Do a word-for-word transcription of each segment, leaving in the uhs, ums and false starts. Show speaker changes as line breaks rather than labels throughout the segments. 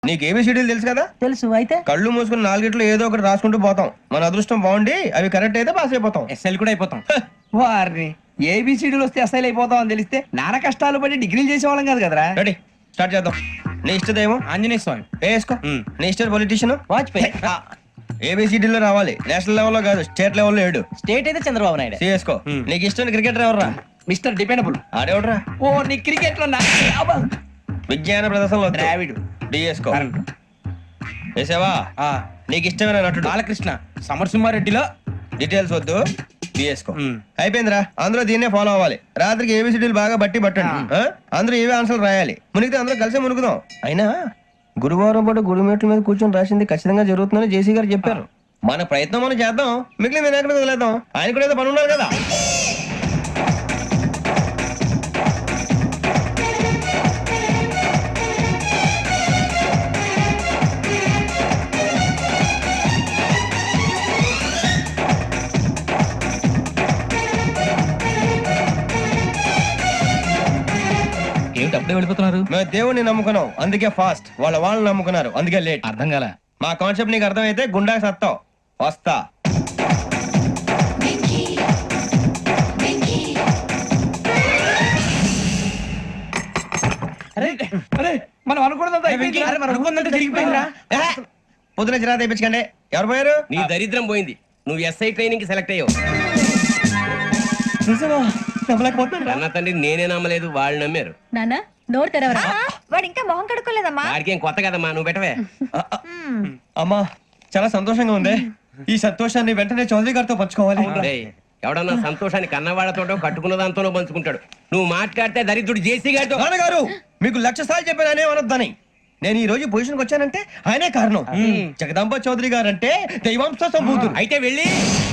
నీకు ఏబిసిడీలు తెలుసు కదా?
తెలుసు. అయితే
కళ్ళు మూసుకుని నాలుగిట్లో ఏదో ఒకటి రాసుకుంటూ పోతాం. మన అదృష్టం బాగుండి అవి కరెక్ట్ అయితే పాస్ అయిపోతాం.
ఎస్ఎల్ కూడా అయిపోతాం. వారిని ఏబిసిడీలు వస్తే ఎస్ఐలు అయిపోతాం అని తెలిస్తే నాన్న కష్టాలు పడి డిగ్రీలు చేసేవాళ్ళం కాదు కదరా.
రెడీ, స్టార్ట్ చేద్దాం. నీ ఇష్టదేమో
ఆంజనేయ స్వామి.
వేసుకో. నీ ఇష్ట పొలిటీషియన్
వాజ్పేయి.
ఏబిసిడీలో రావాలి, నేషనల్ లెవెల్లో కాదు, స్టేట్ లెవెల్లో ఏడు.
స్టేట్ అయితే చంద్రబాబు నాయుడు.
సిఎస్కో. నీకు ఇష్టం క్రికెటర్ ఎవర్రా?
Mister dependable.
ఆడేవడరా?
ఓ నీ క్రికెట్ లో
విజ్ఞాన ప్రదర్శనలో
ద్రావిడు.
డిఎస్కో. వేసావా? నీకు ఇష్టమైన నటుడు?
బాలకృష్ణ. సమర్సింహారెడ్డిలో
డీటెయిల్స్ వద్దు, బిఎస్కో. అయిపోయిందిరా, అందరూ దీన్నే ఫాలో అవ్వాలి. రాత్రికి ఏబిసిడీలు బాగా బట్టి పట్టండి. ఆ? అందరూ ఏవే ఆన్సర్లు రాయాలి. మునిగితే అందరూ కలిసి మునుగుదాం. అయినా గురువారం పాటు గురుమేట్ల మీద కూర్చొని రాసింది ఖచ్చితంగా జరుగుతుందని జేసీ గారు చెప్పారు. మన ప్రయత్నం మనం చేద్దాం, మిగిలిన వినాయకుడికి వదిలేద్దాం. ఆయన కూడా ఏదో పని ఉన్నారు కదా.
ఏమిటి అప్పుడే వెళ్ళిపోతున్నారు?
మేము దేవుడిని నమ్ముకున్నాం, అందుకే ఫాస్ట్. వాళ్ళ వాళ్ళని నమ్ముకున్నారు, అందుకే లేట్.
అర్థం కాల.
మా కాన్సెప్ట్ నీకు అర్థమైతే గుండా సత్తావు. వస్తా.
మనం అనుకున్నదంతా జరిగిపోయిందిరా.
పొద్దున చిరా తెప్పించకండి. ఎవరు పోయారు?
నీ దరిద్రం పోయింది. నువ్వు ఎస్ఐ ట్రైనింగ్ కి సెలెక్ట్ అయ్యావు. అన్న తండ్రి నేనే నమ్మలేదు, వాళ్ళు నమ్మారు.
నాన్న నోరు తెరవరా.
వాడు ఇంకా మొహం కడుక్కోలేదమ్మా.
వాడికి ఏం కొత్త కదమ్మా, నువ్వు పెట్టవే.
అమ్మా చాలా సంతోషంగా ఉంది. ఈ సంతోషాన్ని వెంటనే చౌదరి గారితో పంచుకోవాలి.
డేయ్, ఎవడన్నా సంతోషాన్ని కన్నవాళ్లతోటో కట్టుకున్న దాంతోనో పంచుకుంటాడు. నువ్వు మాట్లాడితే దరిద్రుడు జేసీ గారితో.
నాన్నగారు మీకు లక్ష సార్లు చెప్పాననే అనొద్దని. నేను ఈ రోజు పొజిషన్కి వచ్చానంటే ఆయనే కారణం. జగదాంబ చౌదరి గారు అంటే దైవాంశ సంభూతుడు.
అయితే వెళ్ళి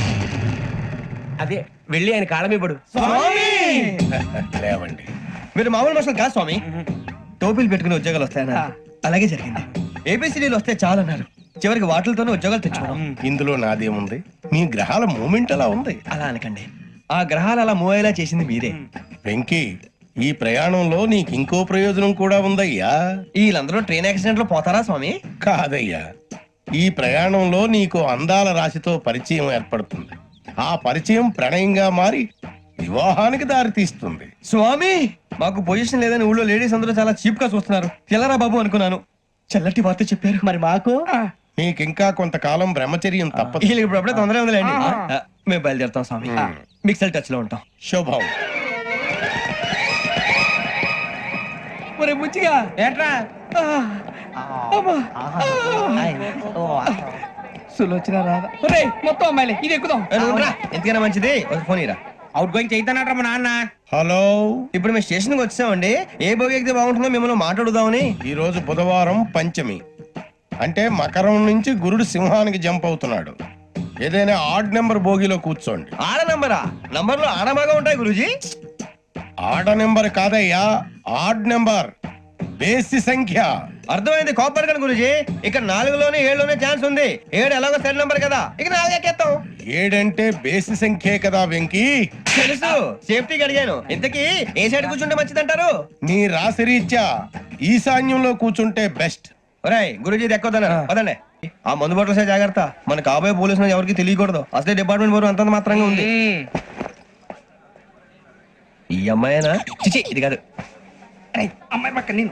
అదే వెళ్ళి ఆయన కాళ్ళమివ్వడు.
లేవండి, మీరు మామూలు మనుషులు కాదు స్వామి. టోపీలు పెట్టుకుని ఉద్యోగాలు వస్తాయన్నారు, అలాగే జరిగింది. ఏబిసిడీలు వస్తే చాలన్నారు, చివరికి వాటిలతోనే ఉద్యోగాలు తెచ్చుకోవడం.
ఇందులో నాదేముంది? మీ గ్రహాల మూమెంట్ అలా ఉంది.
అలా అనకండి, ఆ గ్రహాలు అలా మూవ్ అయ్యేలా చేసింది మీరే.
వెంకీ, ఈ ప్రయాణంలో నీకు ఇంకో ప్రయోజనం కూడా ఉందయ్యా.
వీళ్ళందరూ ట్రైన్ యాక్సిడెంట్ లో పోతారా స్వామి?
కాదయ్యా, ఈ ప్రయాణంలో నీకు అందాల రాశితో పరిచయం ఏర్పడుతుంది. ఆ పరిచయం ప్రణయంగా మారి వివాహానికి దారి తీస్తుంది.
స్వామి మాకు పొజిషన్ లేదని ఊళ్ళో లేడీస్ అందరూ చాలా చీప్ గా చూస్తున్నారు. తెల్లరా బాబు అనుకున్నాను, చల్లటి వార్త చెప్పారు.
మరి మాకు
నీకింకా కొంతకాలం బ్రహ్మచర్యం తప్పదు.
వీళ్ళకి ఇప్పుడు అప్పుడే తొందరగా ఉందిలేండి. ఆ, మేము బయలుదేరుతాం స్వామి. మిక్సెల్ టచ్ లో ఉంటాం.
శుభం.
ఒరే బుచ్చిగా ఏట్రా సులోచన రాదా? ఒరే మొత్తం అమ్మాయిలే, ఇది ఎక్కుదాం.
ఏ, నువ్వు రా. ఎందుకైనా మంచిది ఒక ఫోన్ ఇరా.
అవుట్ గోయింగ్ చేద్దానట్రా మా నాన్న.
హలో,
ఇప్పుడు మేము స్టేషన్ కి వచ్చామండి. ఏ బోగి ఎక్కితే బాగుంటుందో మిమ్మల్ని మాట్లాడుదామని.
ఈ రోజు బుధవారం పంచమి, అంటే మకరం నుంచి గురుడు సింహానికి జంప్ అవుతున్నాడు. ఏదైనా ఆడ్ నెంబర్ బోగిలో కూర్చోండి.
ఆడ నంబరా? నంబర్ లో ఆడ బాగా ఉంటాయి గురూజీ.
ఆడ నెంబర్ కాదయ్యా, ఆడ్ నెంబర్, బేసి సంఖ్య.
అర్థమైంది, కాపర్ కానీ గురూజీ. ఇక్కడ నాలుగులోనే ఏడులోనే ఛాన్స్ ఉంది. ఏడు ఎలాగో సెడ్ నంబర్ కదా, ఇక నాలుగు ఎక్కేస్తాం.
ఏడంటే బేసి సంఖ్యే కదా వెంకీ.
తెలుసు, సేఫ్టీకి అడిగాను. ఇంతకీ ఏ సైడ్ కూర్చుంటే మంచిదంటారు?
నీ రాశి రీత్యా ఈశాన్యంలో కూర్చుంటే బెస్ట్.
ఒరేయ్ గురూజీ దెక్కొద్దన్నారు పదండి. ఆ మందు బట్టలసే జాగ్రత్త, మన కాబోయే పోలీసులు ఎవరికి తెలియకూడదు. అసలే డిపార్ట్మెంట్ బోరు అంతంత మాత్రంగా ఉంది. ఈ అమ్మాయినా? చిచి ఇది కాదు.
అమ్మాయి పక్క నేను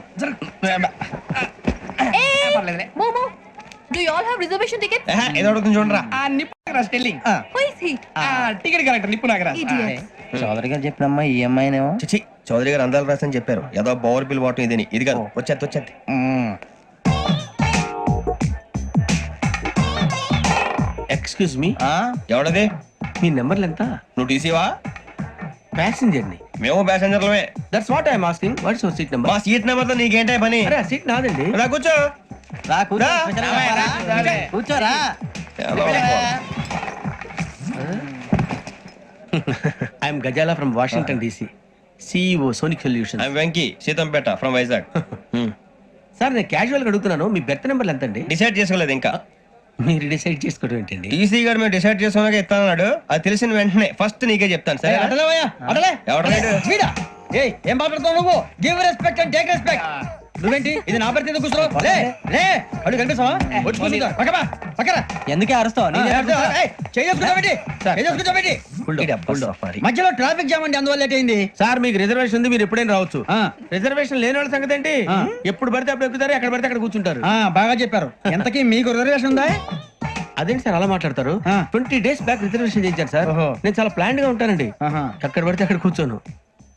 మోమో do you all have reservation ticket?
ఏహే, ఏదో అడుగుతుంది చూడరా.
ఆ నిప్పు Nagaraj telling.
Who is he?
ఆ టికెట్ కరెక్ట్ నిప్పు నాగరాజ్.
చౌదరి గారు చెప్పినమ్మా ఈ అమ్మాయినేమో.
చిచి చౌదరి గారు అందాలు రాసని చెప్పారు. ఏదో బోర్ బిల్ వాటం ఇదని. ఇది కాదు, వచ్చేది వచ్చేది.
Excuse me,
ఎవడది?
మీ నెంబర్లు ఎంత?
నువ్వు టీసీవా?
ప్యాసింజర్ ని.
మేము ప్యాసెంజర్లమే.
That's what I'm asking. What's your seat number?
మా సీట్ నెంబర్ తో నీకేంటే పని?
అరే సీట్ నాదండి.
రా కూర్చో.
రా కూర్చో.
రా.
కూర్చోరా.
I'm Gazala from Washington DC, CEO Sonic solution.
I'm Venky, Seethampeta from Vizag.
Sir నేను క్యాజువల్ గా అడుగుతున్నాను, మీ బెర్త్ నెంబర్లు ఎంత అండి?
డిసైడ్ చేసుకోలేదు ఇంకా.
మీరు డిసైడ్ చేసుకోవడం ఏంటండి?
టీసీ గారు మేము డిసైడ్ చేసుకున్నాక ఇస్తానన్నాడు. అది తెలిసిన వెంటనే ఫస్ట్ నీకే చెప్తాను. సరే ఎవడలేడు?
ఏయ్ ఏం మాట్లాడుతున్నావు నువ్వు? Give respect and take respect.
నువ్వేంటి ఇది నా పరిస్థితి కూర్చో లే లే అడుగు కనిపిస్తావా వచ్చి కూర్చుంటా పక్కపా పక్కరా
ఎందుకే అరుస్తావు
మధ్యలో ట్రాఫిక్ జామ్ అండి అందువల్ల లేట్ అయింది
సార్ మీకు రిజర్వేషన్ ఉంది మీరు ఎప్పుడైనా రావచ్చు
ఆ,
రిజర్వేషన్ లేని వాళ్ళ సంగతి ఏంటి
ఆ.
ఎప్పుడు పడితే అప్పుడు ఎక్కుతారు ఎక్కడ పడితే అక్కడ కూర్చుంటారు
ఆ, బాగా చెప్పారు ఎంతకీ మీకు రిజర్వేషన్ ఉందా
అదేంటి సార్ అలా మాట్లాడతారు
ఆ.
ట్వంటీ డేస్ బ్యాక్ రిజర్వేషన్ చేయించారు సార్
ఓహో.
నేను చాలా ప్లాన్డ్ గా ఉంటానండి
ఆహా.
అక్కడ పడితే అక్కడ కూర్చోను